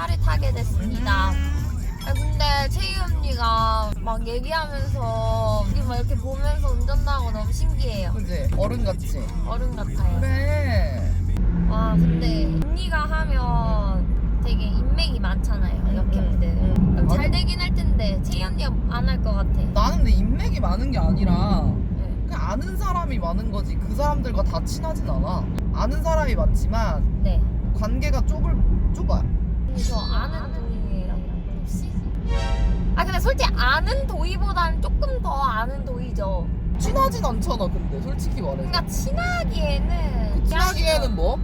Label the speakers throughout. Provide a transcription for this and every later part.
Speaker 1: 차를 타게 됐습니다. 근데 채희 언니가 막 얘기하면서 우리 막 이렇게 보면서 운전하고 너무 신기해요.
Speaker 2: 그지? 어른같지?
Speaker 1: 어른 같아요.
Speaker 2: 그래.
Speaker 1: 와 근데 언니가 하면 되게 인맥이 많잖아요. 역캠들. 그럼 잘 되긴 할 텐데 채희 언니가 안 할 것 같아.
Speaker 2: 나는 근데 인맥이 많은 게 아니라
Speaker 1: 네.
Speaker 2: 그냥 아는 사람이 많은 거지. 그 사람들과 다 친하진 않아. 아는 사람이 많지만
Speaker 1: 네.
Speaker 2: 관계가 좁아요.
Speaker 1: 근데 저 아는 도희예요. 혹시? 아 근데 솔직히 아는 도희보다는 조금 더 아는 도희죠.
Speaker 2: 친하진 않잖아 근데 솔직히 말해서.
Speaker 1: 그러니까 친하기에는
Speaker 2: 친하기에는 뭐?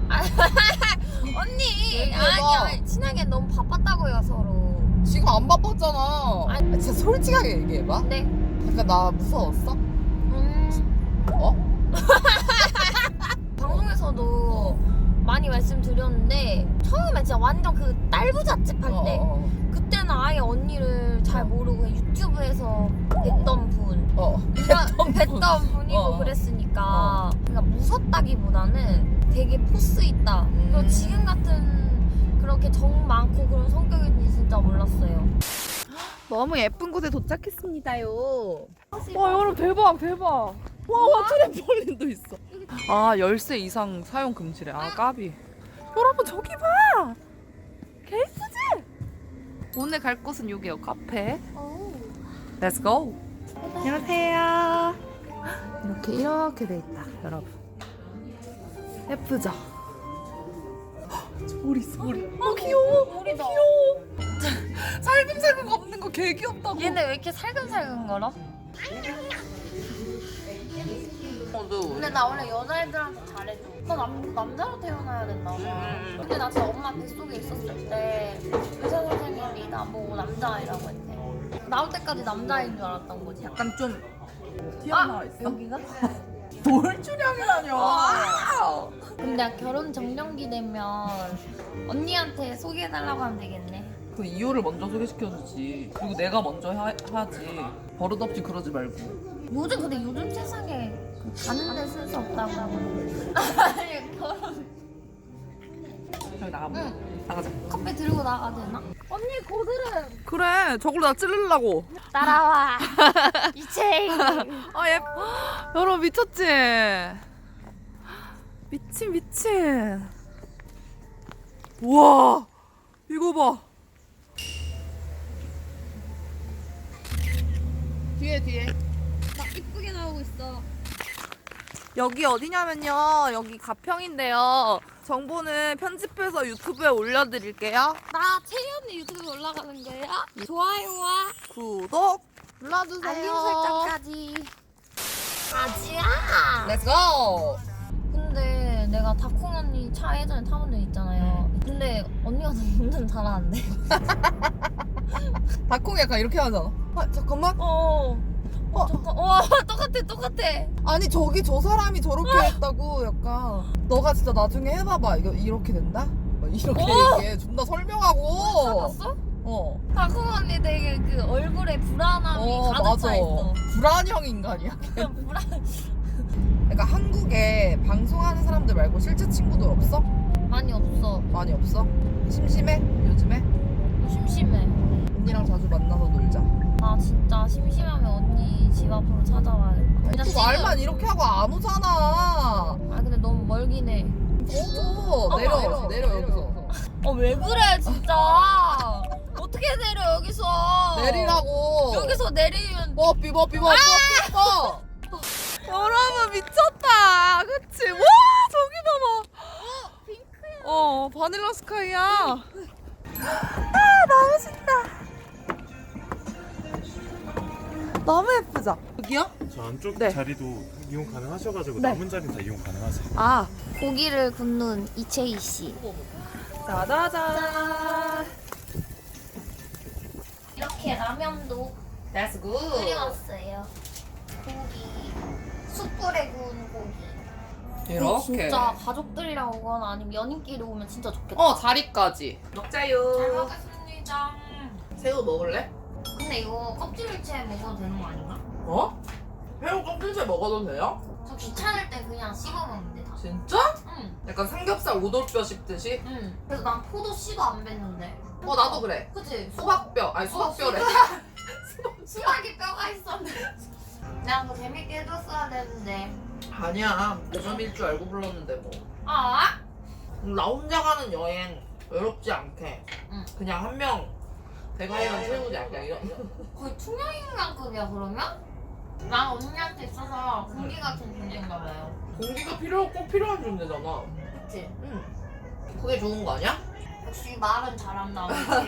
Speaker 1: 언니
Speaker 2: 얘기해봐.
Speaker 1: 아니 친하기엔 너무 바빴다고요 서로.
Speaker 2: 지금 안 바빴잖아.
Speaker 1: 아니.
Speaker 2: 진짜 솔직하게 얘기해봐.
Speaker 1: 네.
Speaker 2: 약간 나 무서웠어? 어?
Speaker 1: 방송에서도 많이 말씀드렸는데 처음에 진짜 완전 그 딸부잣집 할 때 그때는 아예 언니를 잘 모르고 그냥 유튜브에서 뵀던 분 뵀던 분이고
Speaker 2: 어.
Speaker 1: 그랬으니까 그러니까 무섭다기보다는 되게 포스 있다. 그리고 지금 같은 그렇게 정 많고 그런 성격인지 진짜 몰랐어요.
Speaker 2: 너무 예쁜 곳에 도착했습니다요. 와 여러분 대박 대박. 와 트램폴린도 있어. 아 열쇠 이상 사용 금지래. 아 까비. 여러분 저기 봐. 개이쁘지? 오늘 갈 곳은 여기요. 카페. Let's go. 안녕하세요. 이렇게 돼 있다 여러분. 예쁘죠? 머리 있어 머리. 귀여워.
Speaker 1: 머리다.
Speaker 2: 귀여워. 살금살금 걷는 거 개 귀엽다고.
Speaker 1: 얘네 왜 이렇게 살금살금 걸어? 근데 나 원래 여자애들한테 잘해줘. 나 남자로 태어나야 된다고. 근데 나 진짜 엄마 뱃속에 있었을 때 의사 선생님이 나보고 남자아이라고 했대. 나올 때까지 남자아이인 줄 알았던 거지.
Speaker 2: 약간 좀 튀어나와 있어.
Speaker 1: 여기가?
Speaker 2: 돌출형이라뇨.
Speaker 1: 근데 결혼 정년기 되면 언니한테 소개해달라고 하면 되겠네.
Speaker 2: 그 이유를 먼저 소개시켜주지. 그리고 내가 먼저 하지. 버릇없이 그러지 말고.
Speaker 1: 요즘 세상에 그 가는데 쓸 수 없다고. 아니 결혼.
Speaker 2: 저기 나가보자.
Speaker 1: 응.
Speaker 2: 나가자.
Speaker 1: 커피 들고 나가야 되나? 언니 고드름.
Speaker 2: 그래. 저걸로 나 찌르려고.
Speaker 1: 따라와. 이채희.
Speaker 2: 아 예뻐. 여러분 미쳤지? 미친. 우와. 이거 봐. 뒤에.
Speaker 1: 나 이쁘게 나오고 있어.
Speaker 2: 여기 어디냐면요. 여기 가평인데요. 정보는 편집해서 유튜브에 올려드릴게요.
Speaker 1: 나 채희 언니 유튜브에 올라가는 거야? 좋아요와
Speaker 2: 구독 눌러주세요.
Speaker 1: 알림 설정까지. 아지야.
Speaker 2: 렛츠고.
Speaker 1: 근데 내가 다콩 언니 차 예전에 타본 적 있잖아요. 근데 언니가 너무 운전 잘하는데.
Speaker 2: 닭콩이 약간 이렇게 하잖아. 아 잠깐만.
Speaker 1: 잠깐. 똑같아.
Speaker 2: 아니 저기 저 사람이 저렇게 했다고 약간. 너가 진짜 나중에 해봐봐. 이거 이렇게 된다? 막 이렇게 얘기해. 존나 설명하고.
Speaker 1: 봤어?
Speaker 2: 어.
Speaker 1: 다콩 언니 되게 그 얼굴에 불안함이 가득 차 있어.
Speaker 2: 불안형 인간이야.
Speaker 1: 불안.
Speaker 2: 그러니까 한국에 방송하는 사람들 말고 실제 친구들 없어?
Speaker 1: 많이 없어.
Speaker 2: 많이 없어? 심심해? 요즘에?
Speaker 1: 심심해.
Speaker 2: 언니랑 자주 만나서 놀자.
Speaker 1: 나 진짜 심심하면 언니 집 앞으로 찾아와야겠다.
Speaker 2: 또
Speaker 1: 지금-
Speaker 2: 말만 이렇게 하고 안 오잖아.
Speaker 1: 아 근데 너무 멀긴 해.
Speaker 2: 내려 여기서.
Speaker 1: 왜 그래 진짜. 어떻게 내려 여기서.
Speaker 2: 내리라고.
Speaker 1: 여기서 내리면
Speaker 2: 뽀삐. 여러분 미쳤다. 그치? 와 저기 봐봐.
Speaker 1: 핑크야.
Speaker 2: 바닐라 스카이야. 아 너무 신나. 너무 예쁘죠? 여기요?
Speaker 3: 저 안쪽
Speaker 2: 네.
Speaker 3: 자리도 이용 가능하셔가지고
Speaker 2: 네.
Speaker 3: 남은 자리는 다 이용 가능하세요.
Speaker 2: 아
Speaker 1: 고기를 굽는 이채희 씨.
Speaker 2: 짜자잔.
Speaker 1: 이렇게 라면도
Speaker 2: That's good.
Speaker 1: 끓여왔어요. 고기. 숯불에 구운 고기.
Speaker 2: 이렇게.
Speaker 1: 진짜 가족들이랑 오거나 아니면 연인끼리 오면 진짜 좋겠다.
Speaker 2: 자리까지.
Speaker 1: 잘
Speaker 2: 먹자요.
Speaker 1: 먹겠습니다.
Speaker 2: 새우 먹을래?
Speaker 1: 근데 이거 껍질을 채 먹어도 되는 거 아닌가?
Speaker 2: 어? 새우 껍질째 먹어도 돼요?
Speaker 1: 저 귀찮을 때 그냥 씹어 먹는데 다.
Speaker 2: 진짜?
Speaker 1: 응.
Speaker 2: 약간 삼겹살 오돌뼈 씹듯이?
Speaker 1: 응. 그래서 난 포도 씨도 안 뱉는데.
Speaker 2: 나도 그래.
Speaker 1: 그치?
Speaker 2: 수박뼈. 아니 수박뼈래.
Speaker 1: 수박에 뼈가 있었는데. 내가 더 재밌게 해줬어야 되는데.
Speaker 2: 아니야. 여점일 줄 알고 불렀는데 뭐.
Speaker 1: 아?
Speaker 2: 나 혼자 가는 여행 외롭지 않게.
Speaker 1: 응.
Speaker 2: 그냥 한 명 대가리만 채우지 않게 이런.
Speaker 1: 거의 투명인간급이야 그러면? 난 언니한테 있어서 공기 같은 존재인가 봐요.
Speaker 2: 공기가 꼭 필요한 존재잖아.
Speaker 1: 그치?
Speaker 2: 응. 그게 좋은 거 아니야?
Speaker 1: 역시 말은 잘한다.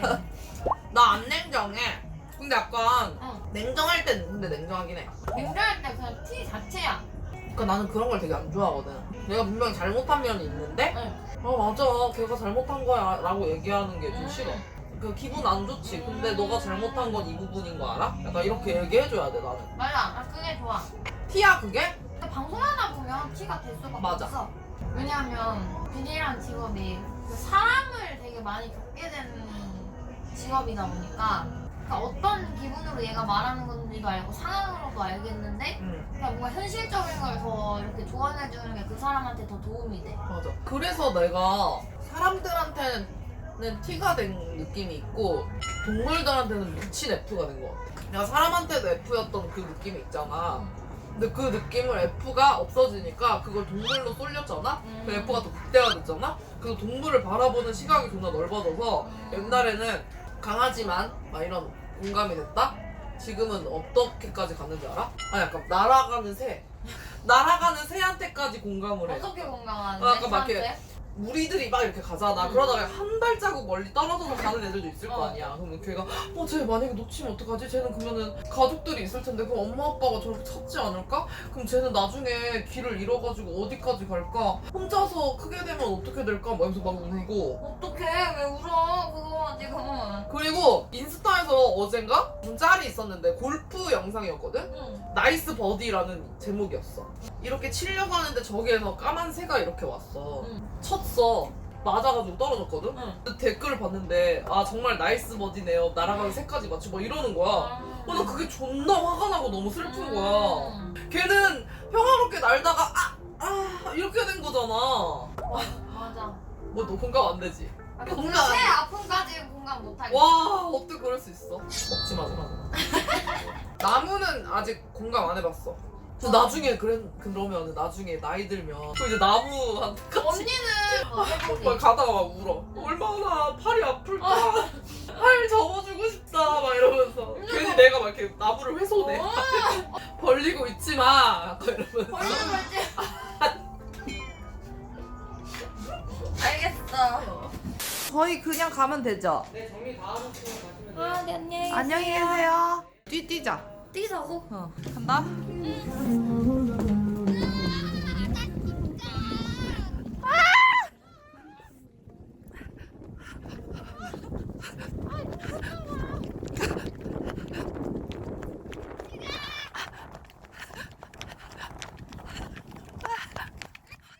Speaker 2: 나 안 냉정해. 근데 약간
Speaker 1: 응.
Speaker 2: 냉정할 땐 근데 냉정하긴 해.
Speaker 1: 냉정할 때 그냥 티 자체야.
Speaker 2: 그러니까 나는 그런 걸 되게 안 좋아하거든. 내가 분명히 잘못한 면이 있는데
Speaker 1: 응.
Speaker 2: 맞아 걔가 잘못한 거야 라고 얘기하는 게 좀 싫어. 그 기분 안 좋지. 근데 너가 잘못한 건 이 부분인 거 알아? 약간 이렇게 얘기해줘야 돼 나는.
Speaker 1: 맞아. 나 그게 좋아.
Speaker 2: 티야 그게?
Speaker 1: 근데 방송하다 보면 티가 될 수가
Speaker 2: 맞아.
Speaker 1: 없어. 왜냐하면 비디라는 직업이 그 사람을 되게 많이 겪게 되는 직업이다 보니까 그러니까 어떤 기분으로 얘가 말하는 건지도 알고 상황으로도 알겠는데 그냥 뭔가 현실적인 걸 더 이렇게 조언해주는 게 그 사람한테 더 도움이 돼.
Speaker 2: 맞아. 그래서 내가 사람들한테는 T가 된 느낌이 있고 동물들한테는 미친 F가 된 것 같아. 내가 사람한테도 F였던 그 느낌이 있잖아. 근데 그 느낌을 F가 없어지니까 그걸 동물로 쏠렸잖아? 그 F가 더 극대화됐잖아? 그래서 동물을 바라보는 시각이 존나 넓어져서 옛날에는 강하지만 막 이런 공감이 됐다? 지금은 어떻게까지 갔는지 알아? 아니 약간 날아가는 새 날아가는 새한테까지 공감을 해.
Speaker 1: 어떻게 공감하는데?
Speaker 2: 약간 막 이렇게
Speaker 1: 저한테?
Speaker 2: 무리들이 막 이렇게 가잖아. 그러다가 한 발자국 멀리 떨어져서 가는 애들도 있을 거 아니야. 그러면 걔가 쟤 만약에 놓치면 어떡하지? 쟤는 그러면은 가족들이 있을 텐데 그럼 엄마 아빠가 저렇게 찾지 않을까? 그럼 쟤는 나중에 길을 잃어가지고 어디까지 갈까? 혼자서 크게 되면 어떻게 될까? 막 이러면서 막 울고.
Speaker 1: 어떡해 왜 울어 그거 지금.
Speaker 2: 그리고 인스타에서 어젠가 무슨 짤이 있었는데 골프 영상이었거든?
Speaker 1: 응.
Speaker 2: 나이스 버디라는 제목이었어. 이렇게 치려고 하는데 저기에서 까만 새가 이렇게 왔어. 쳤어. 맞아가지고 떨어졌거든? 근데 댓글을 봤는데 정말 나이스 버디네요. 날아가는 새까지 맞추고 막 이러는 거야. 나 그게 존나 화가 나고 너무 슬픈 거야. 걔는 평화롭게 날다가 이렇게 된 거잖아.
Speaker 1: 맞아.
Speaker 2: 뭐 너 공감 안 되지? 공감 안
Speaker 1: 새
Speaker 2: 돼.
Speaker 1: 아픔까지 공감 못하겠어.
Speaker 2: 와 어떻게 그럴 수 있어? 먹지 마 그러면. 나무는 아직 공감 안 해봤어. 근데 나중에 그러면 나중에 나이 들면 또 이제 나무한테
Speaker 1: 언니는
Speaker 2: 막 가다가 막 울어. 얼마나 팔이 아플까. 팔 접어주고 싶다 막 이러면서 괜히 내가 막 이렇게 나무를 훼손해. 벌리고 있지 마. 막 이러면서.
Speaker 1: 벌리는 거지. 알겠어.
Speaker 2: 저희 그냥 가면 되죠?
Speaker 3: 네, 정리 다 하셨으면 가시면 돼요.
Speaker 1: 네, 안녕히 계세요.
Speaker 2: 안녕히 계세요. 뛰자.
Speaker 1: 뛰자고?
Speaker 2: 간다.